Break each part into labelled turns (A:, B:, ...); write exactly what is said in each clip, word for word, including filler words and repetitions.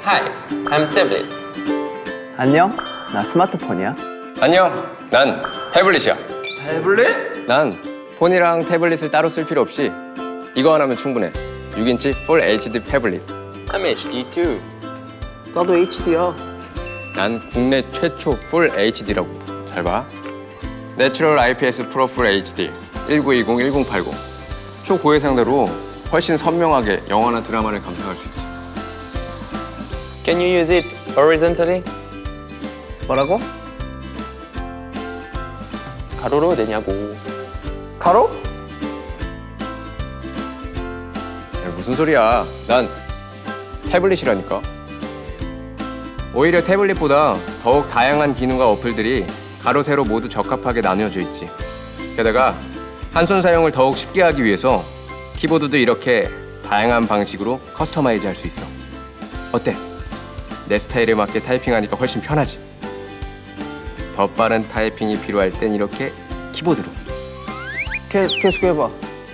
A: Hi, I'm Tablet.
B: 안녕, 나 스마트폰이야.
C: 안녕, 난 태블릿이야.
B: 태블릿?
C: 난 폰이랑 태블릿을 따로 쓸 필요 없이 이거 하나면 충분해. 육 인치 풀 에이치디 태블릿.
A: I'm H D too.
B: 나도 에이치디야.
C: 난 국내 최초 풀 에이치디라고. 잘 봐. 내추럴 아이피에스 프로 풀 에이치디 천구백이십 천팔십. 초고해상도로 훨씬 선명하게 영화나 드라마를 감상할 수 있지.
A: Can you use it horizontally?
B: 뭐라고?
A: 가로로 되냐고.
B: 가로?
C: 야, 무슨 소리야. 난 태블릿이라니까. 오히려 태블릿보다 더욱 다양한 기능과 어플들이 가로, 세로 모두 적합하게 나뉘어져 있지. 게다가 한손 사용을 더욱 쉽게 하기 위해서 키보드도 이렇게 다양한 방식으로 커스터마이즈 할 수 있어. 어때? 내 스타일에 맞게 타이핑하니까 훨씬 편하지. 더 빠른 타이핑이 필요할 땐 이렇게 키보드로.
B: 계, 계속 해봐.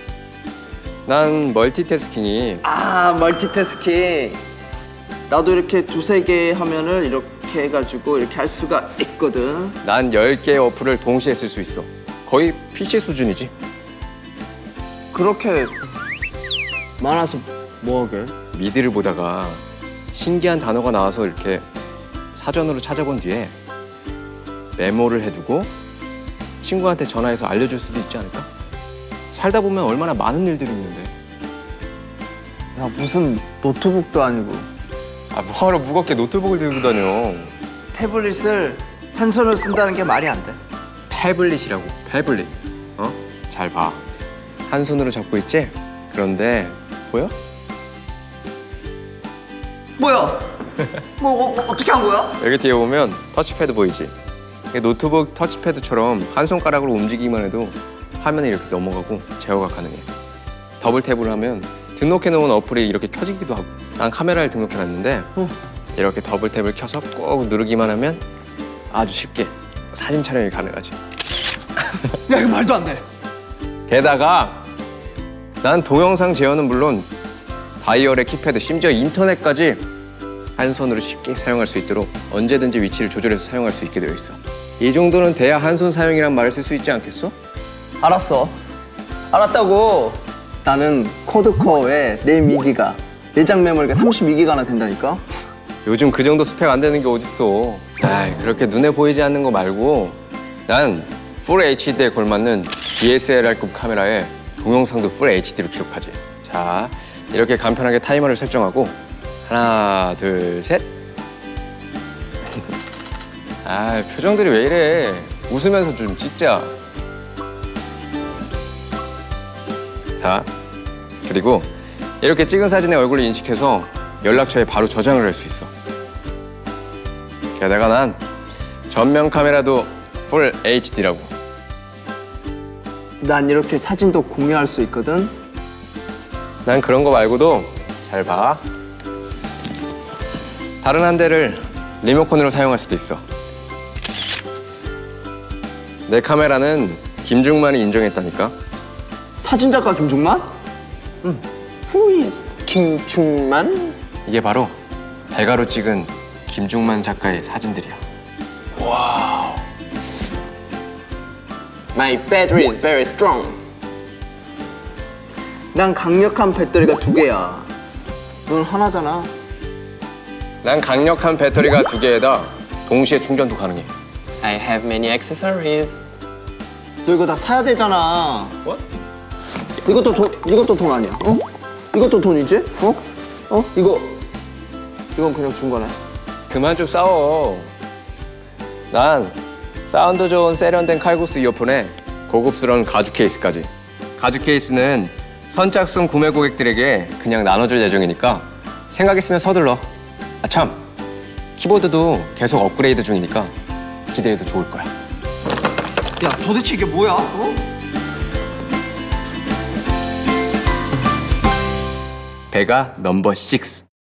C: 난 멀티태스킹이
B: 아, 멀티태스킹. 나도 이렇게 두세 개 화면을 이렇게 해가지고 이렇게 할 수가 있거든.
C: 난 열 개의 어플을 동시에 쓸 수 있어. 거의 피씨 수준이지.
B: 그렇게 많아서 뭐하게?
C: 미드를 보다가 신기한 단어가 나와서 이렇게 사전으로 찾아본 뒤에 메모를 해두고 친구한테 전화해서 알려줄 수도 있지 않을까? 살다 보면 얼마나 많은 일들이 있는데.
B: 야, 무슨 노트북도 아니고.
C: 아, 뭐하러 무겁게 노트북을 들고 다녀.
B: 태블릿을 한 손으로 쓴다는 게 말이 안 돼.
C: 태블릿이라고, 태블릿. 어? 잘 봐. 한 손으로 잡고 있지? 그런데 보여?
B: 뭐야? 뭐 어, 어떻게 한 거야?
C: 여기 뒤에 보면 터치패드 보이지? 이게 노트북 터치패드처럼 한 손가락으로 움직이기만 해도 화면이 이렇게 넘어가고 제어가 가능해. 더블 탭을 하면 등록해놓은 어플이 이렇게 켜지기도 하고. 난 카메라를 등록해놨는데
B: 어.
C: 이렇게 더블 탭을 켜서 꾹 누르기만 하면 아주 쉽게 사진 촬영이 가능하지.
B: 야, 이거 말도 안 돼.
C: 게다가 난 동영상 제어는 물론 다이얼의 키패드, 심지어 인터넷까지 한 손으로 쉽게 사용할 수 있도록 언제든지 위치를 조절해서 사용할 수 있게 되어 있어. 이 정도는 돼야 한 손 사용이란 말을 쓸 수 있지 않겠어?
B: 알았어. 알았다고. 나는 코드코어에 내 미기가 내장 메모리가 삼십이 기가나 된다니까.
C: 요즘 그 정도 스펙 안 되는 게 어딨어. 아이, 그렇게 눈에 보이지 않는 거 말고 난 풀 에이치디에 걸맞는 디에스엘알급 카메라에 동영상도 풀 에이치디로 기록하지. 자, 이렇게 간편하게 타이머를 설정하고 하나, 둘, 셋. 아, 표정들이 왜 이래. 웃으면서 좀 찍자. 자, 그리고 이렇게 찍은 사진의 얼굴을 인식해서 연락처에 바로 저장을 할 수 있어. 게다가 난 전면 카메라도 풀 에이치디라고.
B: 난 이렇게 사진도 공유할 수 있거든.
C: 난 그런 거 말고도 잘 봐. 다른 한 대를 리모컨으로 사용할 수도 있어. 내 카메라는 김중만이 인정했다니까.
B: 사진작가 김중만? 응. Who is 김중만?
C: 이게 바로 배가로 찍은 김중만 작가의 사진들이야.
B: My battery is very strong. 난 강력한 배터리가 두 개야. 넌 하나잖아.
C: 난 강력한 배터리가 두 개에다 동시에 충전도 가능해.
A: I have many accessories.
B: 너 이거 다 사야 되잖아.
C: What?
B: 이것도 돈, 이것도 돈 아니야. 어? 이것도 돈이지? 어? 어? 이거 이건 그냥 준 거네.
C: 그만 좀 싸워. 난 사운드 좋은 세련된 칼국수 이어폰에 고급스러운 가죽 케이스까지. 가죽 케이스는 선착순 구매 고객들에게 그냥 나눠줄 예정이니까 생각 있으면 서둘러. 아 참, 키보드도 계속 업그레이드 중이니까 기대해도 좋을 거야.
B: 야, 도대체 이게 뭐야? 어?
C: 배가 넘버 육.